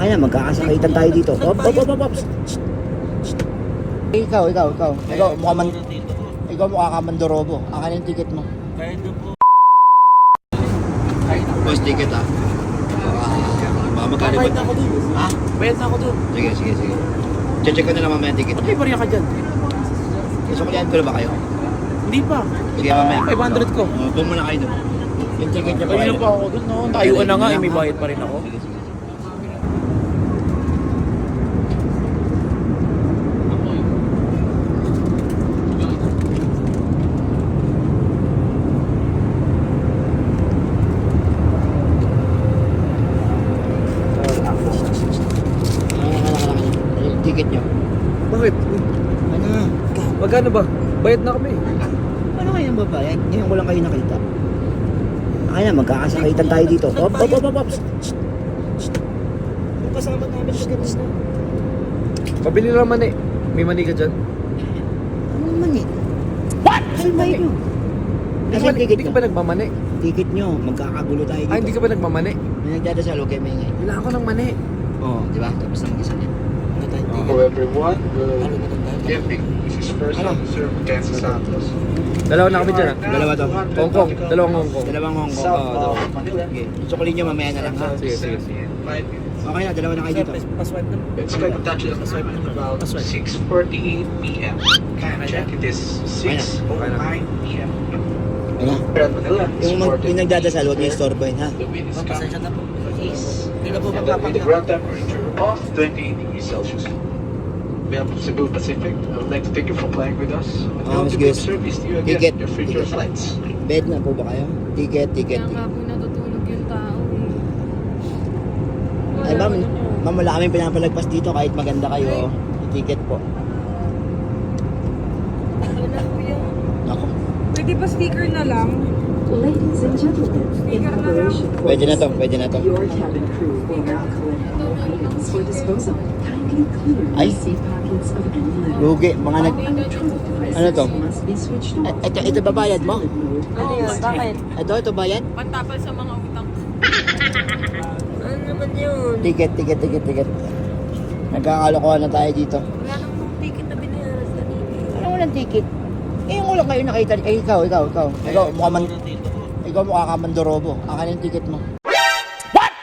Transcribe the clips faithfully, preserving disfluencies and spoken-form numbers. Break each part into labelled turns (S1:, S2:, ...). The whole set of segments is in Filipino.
S1: Akin na, magkakasakitan tayo dito. Op, op, op, op, op. Ikaw, ikaw, ikaw. Ikaw, mukha man... Ikaw mukha ka mandorobo. Akin yung ticket mo.
S2: Kahit na po.
S1: Boss, ticket ah. Baka magkano ba?
S2: Bayad na ako dun.
S1: Ha?
S2: Bayad na ako dun.
S1: Sige, sige, sige. Check ko na lang mamaya yung ticket.
S2: Ba't may bariya ka dyan?
S1: Suklihan ko na ba kayo?
S2: Hindi pa.
S1: Sige, mamaya.
S2: five hundred ko.
S1: Uh, Buong muna kayo dun. Yung ticket niya pa
S2: Kanina
S1: kayo.
S2: pa ako dun, no? Tayuan na nga, eh, may bayad pa rin ako.
S1: Sige, sige. Ticket nyo.
S2: Bakit?
S1: Ano?
S2: Magkano ba? Bayad na kami.
S1: Ano kayo ang babayad? Ngayon ko lang kayo nakita. Akin na, magkakasakitan tayo dito. Op, op, op, op, op.
S2: Yung kasama namin sa ganas na. Pabili lang mani. May mani ka dyan?
S1: Ano naman eh? What? Ano ba yun?
S2: Hindi
S1: Kasi
S2: ka, ba-
S1: ticket
S2: hindi ka
S1: nyo.
S2: ba nagmamani?
S1: Ticket nyo, magkakagulo tayo dito.
S2: Ah, hindi ka ba nagmamani?
S1: May nagdadasal, huwag kayo maingay.
S2: Kailangan ko ng mani.
S1: Oo, di ba? Tapos ang isa niya.
S3: For everyone, we'll give the first
S1: Ano?
S3: officer Kansas Santos.
S2: Dalawa na kami dyan ah.
S1: Dalawa to.
S2: Hong Kong. Dalawang Hong Kong.
S1: Dalawang Hong Kong.
S3: South
S1: Oo, dalawa.
S3: of Manila.
S1: Okay. Isukulin nyo mamaya na lang ha.
S2: Sige, sige, sige.
S3: Five minutes.
S1: Okay na, dalawa na kayo dito.
S2: Paswipe na.
S3: Expect to touch it about six forty-eight p m Can check it is six oh nine p m
S1: Ano?
S3: Here at Manila,
S1: Yung, mag, yung nagdadasal, huwag nyo istorbohin ha.
S3: the wind is
S2: Pasensya
S3: coming
S2: na po. Please. Hindi na po
S3: and the, with the
S2: magpapagod.
S3: ground temperature of twenty-eight degrees Celsius. We have Cebu Pacific. I would like to thank you for flying with us. And
S1: Ah,
S3: hope
S1: Miss
S3: to give
S1: Gus.
S3: service to you
S1: Ticket.
S3: again in your future
S1: Ticket.
S3: flights.
S1: Bed na po ba kayo? Ticket, ticket.
S4: Kaya nga po natutulog yung tao eh.
S1: Ay ma'am, ma'am wala kaming pinapalagpas dito kahit maganda kayo. Ticket po.
S4: Ano na po yun?
S1: Ako.
S4: Pwede pa sticker na lang?
S5: Ladies and gentlemen, in preparation for
S1: Pwede na to, pwede na to.
S5: your cabin crew will now collect all packets for disposal. Kindly clear
S1: Ay.
S5: the seat pockets of any litter.
S1: Lugi, mga nag...
S5: Electronic devices
S1: Ano to?
S5: must be switched
S1: Eh,
S5: off.
S1: Ito, ito babayad mo?
S4: Ano yun? Bakit?
S1: Ito, ito bayad?
S4: Pantapal sa mga utang. Ano naman yun?
S1: Ticket, ticket, ticket, ticket. Nagkakalokohan na tayo dito.
S4: Wala namang ticket na binayaran sa kanina.
S1: Ano walang ticket? Eh, yung ulang kayo nakita. Eh, ikaw, ikaw, ikaw. Ikaw, mukha man... Ikaw mukha ka mandorobo. Akin yung ticket mo. What?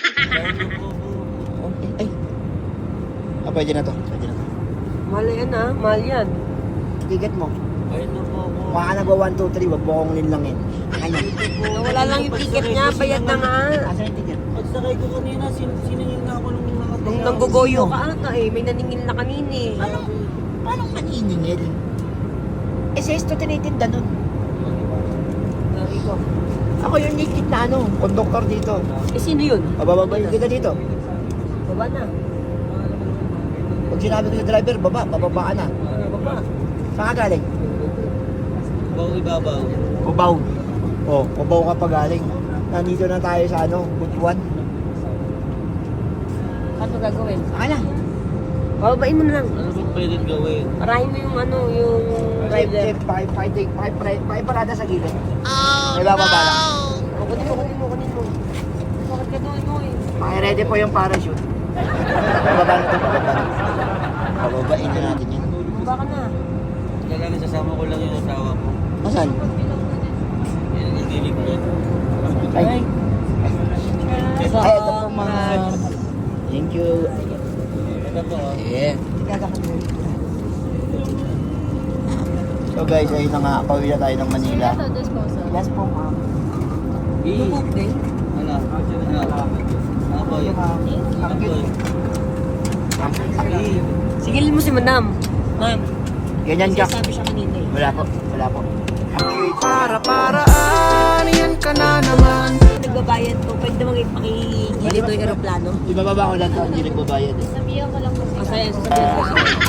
S1: Okay. Ay. Ah, pwede na to. Pwede na to.
S4: Mahal yan ah. Mahal yan.
S1: Ticket mo.
S2: Bayad na po ako.
S1: Mukha ka nagwa one, two, three. Wag mo akong linlangin. Akin yan.
S4: Wala lang yung ticket niya. Bayad na nga.
S1: Asan yung ticket?
S2: Pagsakay ko kanina, sin- siningin na ako nung nakatawa.
S4: Nung nanggugoyo ka ata eh. May naningil na kanina eh.
S1: Paano, paano maniningil? Eh, sa esto tinitinda nun.
S4: Lagi ko.
S1: Ako yung naked na ano, konduktor dito.
S4: Eh sino yun?
S1: Pabababayin kita dito.
S4: Baba na.
S1: Pag sinabi ko sa driver, baba, bababa ka na.
S4: Ano baba?
S1: Saan ka galing?
S2: Bawi ibabaw.
S1: Kubaw. Oh, Kubaw ka pa galing. Nandito na tayo sa ano, Butuan.
S4: Ano gagawin?
S1: Saan na?
S4: Bababain mo na lang.
S2: Ano ba pwedeng gawin?
S4: Parahin mo yung ano, yung
S1: Five,
S4: rider.
S1: five, five, five, five, five, five parada sa gilid. Oh, May bababa lang.
S4: O, kunin mo, kunin mo, kunin mo. Bakit ka doon mo eh?
S1: Paki-ready po yung parachute. Bababa na ito, bababa na. Bababain na natin yan.
S4: Baba ka na.
S2: Kailangan sasama ko lang yung asawa ko.
S1: Asan?
S2: Yan ang gilig niya.
S1: Ay. Ay, ito po mga... Thank you.
S2: Ito po. ah.
S1: Yeah. So guys, ayun na nga, pauwi na tayo ng Manila. Yes po ma'am.
S2: Eh,
S4: Lubog din.
S2: Wala. Wala. Ano po yun? Ano po yun? Eh,
S4: Sigilin mo si Madam. Ma'am.
S1: Ganyan ka.
S4: Sabi siya kanina eh.
S1: Wala po, wala po.
S6: Para paraan, yan ka na naman.
S4: Nagbabayad po. Pwede naman ipakigilid doon yung aeroplano.
S1: Ibababa ko lang ito, hindi nagbabayad eh.
S4: Sabihan ko lang po. Masaya, sasabihan ko.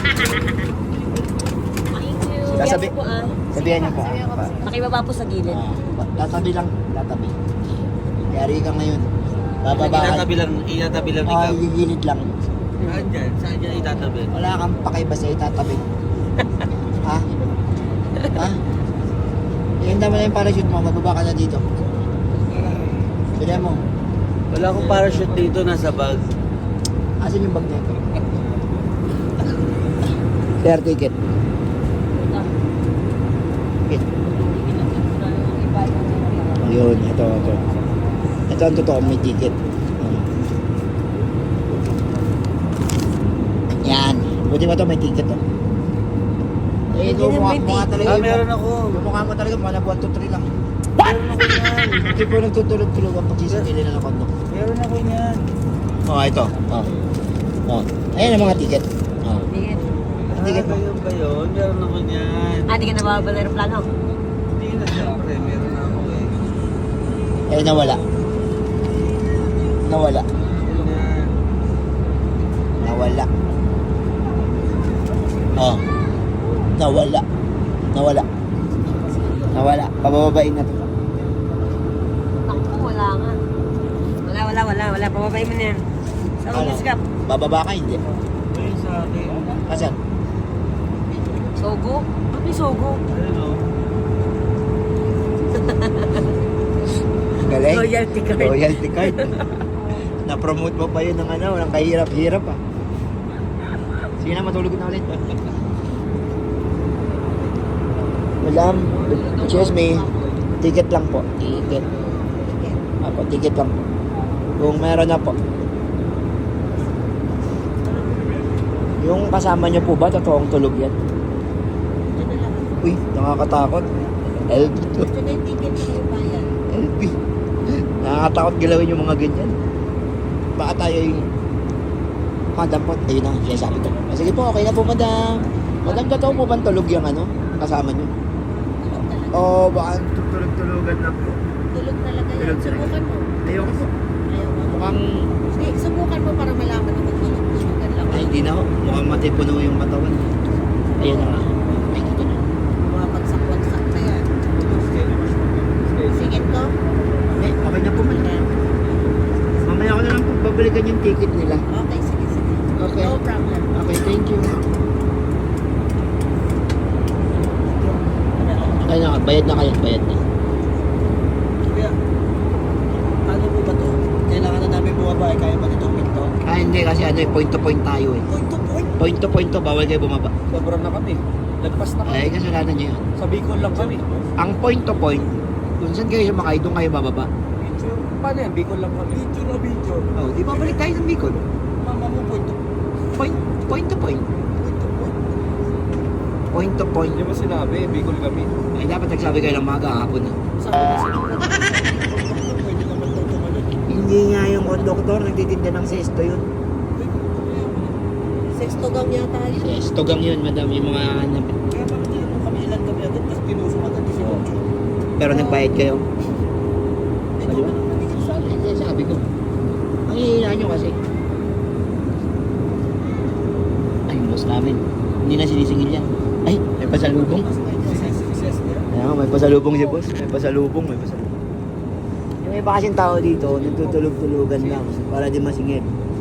S1: Sasabi,
S4: po ah.
S1: sabihan niyo po. ah,
S4: Nakibaba po sa gilid.
S1: ah, tatabi lang, tatabi. Yari ka ngayon. Bababa ka.
S2: Itatabi lang, itatabi lang
S1: Ah,
S2: ikaw.
S1: gigilid lang.
S2: Saan dyan? Saan dyan itatabi?
S1: Wala kang pakibasa, itatabi. Ha? Ha? Ihanda mo na yung parachute mo, mababa ka na dito. Bilhan mo.
S2: Wala akong parachute dito, nasa bag.
S1: Asan yung bag niya? Fair ticket. Okay. Yun, ito, ito. Ito ang totoo, may ticket. Hmm. Yan. Buti mo to, may ticket to. Eh,
S2: Hindi
S1: yung
S2: na
S1: mukha,
S2: may
S1: mukha
S2: ticket.
S1: talaga.
S2: Ah,
S1: yung-
S2: meron ako.
S1: Yung mukha mo talaga, mukha na one, two, three lang.
S2: Meron ako yan.
S1: Hindi po nagtutulog-tulog ang pagsisipili na ng kondo.
S2: Meron ako yan.
S1: Oh, ito. Oh. Oh. Ayan ang mga ticket. Oh.
S4: Ticket.
S1: Ang ticket
S2: Ah,
S1: mo.
S2: yun ba yun? Meron ako yan.
S4: Ah, di ka nababala ng plano.
S2: Hindi na siyempre, meron ako eh.
S1: Eh, nawala. Nawala.
S2: Yun yan.
S1: Nawala. Oh. Nawala. Nawala. Nawala. Pabababain na to.
S4: Naku, wala nga. Wala, wala, wala, wala. Pababayin mo na yan. Sa
S1: Ano?
S4: ulis ka.
S1: Bababa ka, hindi.
S2: Ayun sa akin.
S1: Asan?
S4: Sogo? Ba't may sogo?
S2: Ayun o.
S1: Galing.
S4: Loyalty card.
S1: Loyalty card. Na-promote mo pa yun ng ano, ng kahirap-hirap ah. Sige na, matulog na ulit. Madam, excuse me. Ticket lang po. Ticket. Apo, ticket lang po. Kung meron na po. Yung kasama niyo po ba, totoong tulog yan? Uy, nakakatakot. L B to.
S4: Ito na yung ticket na yung bayan.
S1: L B. Nakakatakot galawin yung mga ganyan. Baka tayo yung... Madam po, ayun na, siya sabi ko. Ah, sige po, okay na po, madam. Madam, totoo po bang tulog yung ano, kasama niyo? Oo, oh, baka tutulog-tulogan lang po.
S4: Tulog talaga yan.
S1: Tulog talaga.
S4: Subukan mo.
S1: Ayoko po.
S4: Ayaw mo.
S1: Mukhang...
S4: Hindi, subukan mo para malaman na kung tulog. Tulugan lang.
S1: Ay, hindi na ho. Mukhang matipuno yung katawan. Ayun na nga. Ay, ito na.
S4: Mga bagsak-bagsak na yan. Sige to.
S1: Eh, okay na po, madam. Mamaya ko na lang po babalikan yung ticket nila.
S4: Okay, sige, sige.
S1: Okay.
S4: No problem.
S1: Okay, thank you. Ay na, bayad na kayo, bayad na.
S2: Kuya, ano po ba to? Kailangan na namin bumaba eh. Kaya ba nitong pinto?
S1: Ah, hindi kasi ano eh, point to point tayo eh.
S2: Point to point.
S1: Point to point to, bawal kayo bumaba.
S2: Sobrang na kami. Lagpas na kami.
S1: Ay, kasalanan nyo yun.
S2: Sa Bicol lang kami.
S1: Ang point to point, kung saan kayo sumakay, doon kayo bababa.
S2: Video. Paano yan? Bicol lang kami. Video na video.
S1: Oh, di babalik tayo ng Bicol.
S2: Mama mo point to
S1: Point, point to point.
S2: point to point.
S1: Point to point.
S2: Hindi mo sinabi, Bicol kami.
S1: Ay, dapat nagsabi kayo ng mga hapon na.
S2: Sabi na sila. Pwede naman daw tumalun.
S1: Hindi nga yung konduktor, nagtitinda ng sesto yun.
S4: Sexto gang yata yun.
S1: Sesto gang yun, madam, yung mga...
S2: Kaya bakit hindi naman kami ilan kami agad? Tapos pinusok agad si Ocho.
S1: Pero nagbayad kayo.
S2: Ito ba naman hindi sabi?
S1: Hindi, sabi ko. Ang hihina nyo kasi. Ay, yung boss namin. Hindi na sinisingil yan. Ay, may pasalubong. Ayan, may pasalubong si boss. May pasalubong, may pasalubong. Yung iba kasing tao dito, nagtutulog-tulugan lang para di masingil.